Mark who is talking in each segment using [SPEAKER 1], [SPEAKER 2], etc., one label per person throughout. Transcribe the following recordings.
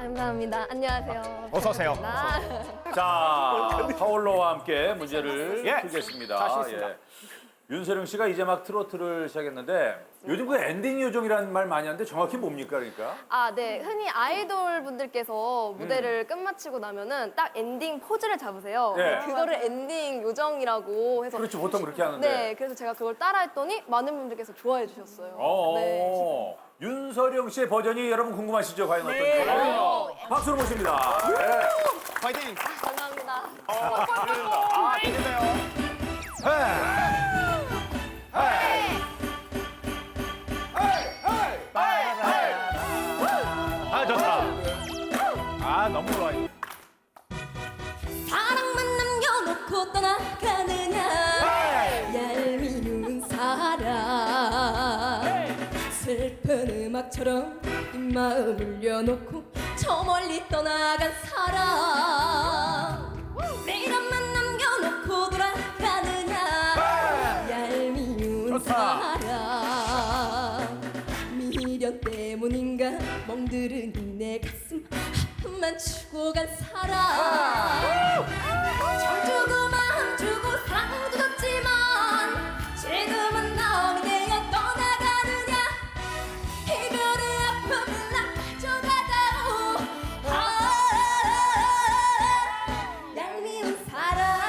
[SPEAKER 1] 감사합니다. 안녕하세요.
[SPEAKER 2] 어서 오세요.
[SPEAKER 1] 반갑습니다.
[SPEAKER 3] 자, 파울러와 함께 문제를
[SPEAKER 2] 예.
[SPEAKER 3] 풀겠습니다.
[SPEAKER 2] 자신 있습니다.
[SPEAKER 3] 윤세령 씨가 이제 막 트로트를 시작했는데 요즘 그 엔딩 요정이라는 말 많이 하는데 정확히 뭡니까 그러니까?
[SPEAKER 1] 아, 네. 흔히 아이돌 분들께서 무대를 끝마치고 나면은 딱 엔딩 포즈를 잡으세요.
[SPEAKER 3] 네.
[SPEAKER 1] 그거를 엔딩 요정이라고 해서.
[SPEAKER 3] 그렇지 보통 그렇게 하는데.
[SPEAKER 1] 네, 그래서 제가 그걸 따라했더니 많은 분들께서 좋아해 주셨어요.
[SPEAKER 3] 어.
[SPEAKER 1] 네.
[SPEAKER 3] 윤서령 씨의 버전이 여러분 궁금하시죠? 과연 어떤지? 박수로 모십니다. 네.
[SPEAKER 2] 파이팅!
[SPEAKER 1] 감사합니다.
[SPEAKER 2] 아, 기대돼요. 아, 좋다. 아, 너무 좋아.
[SPEAKER 4] 사랑만 남겨놓고 떠나가느냐 얄미운 사람 슬픈 음악처럼 이 마음 울려놓고 저 멀리 떠나간 사람 미련만 남겨놓고 돌아가느냐 얄미운
[SPEAKER 2] 좋다.
[SPEAKER 4] 사람 미련 때문인가 멍들은 내 가슴 아픔만 주고 간 사람 절 주고 마음 주고 사랑도 줬지만 지금은 너무 내가 떠나가느냐 이별의 아픔을 나 가져가다오 얄미운 사람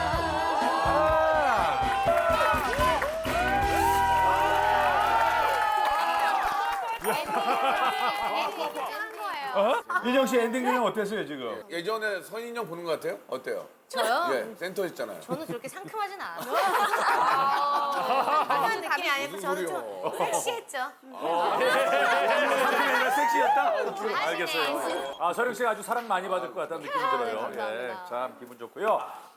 [SPEAKER 3] 윤정 씨 엔딩 요정 어땠어요 지금?
[SPEAKER 5] 예전에 선인형 보는 것 같아요? 어때요?
[SPEAKER 6] 저요?
[SPEAKER 5] 예, 센터 있잖아요.
[SPEAKER 6] 저는 그렇게 상큼하진 않아요. 상큼한 느낌이 아니고 저는 좀 섹시했죠.
[SPEAKER 3] 상큼이가 섹시였다?
[SPEAKER 6] 아시네.
[SPEAKER 3] 알겠어요. 아 서령 씨가 아주 사랑 많이 받을 것 같다는 느낌이 들어요.
[SPEAKER 1] 감사합니다.
[SPEAKER 3] 참 기분 좋고요.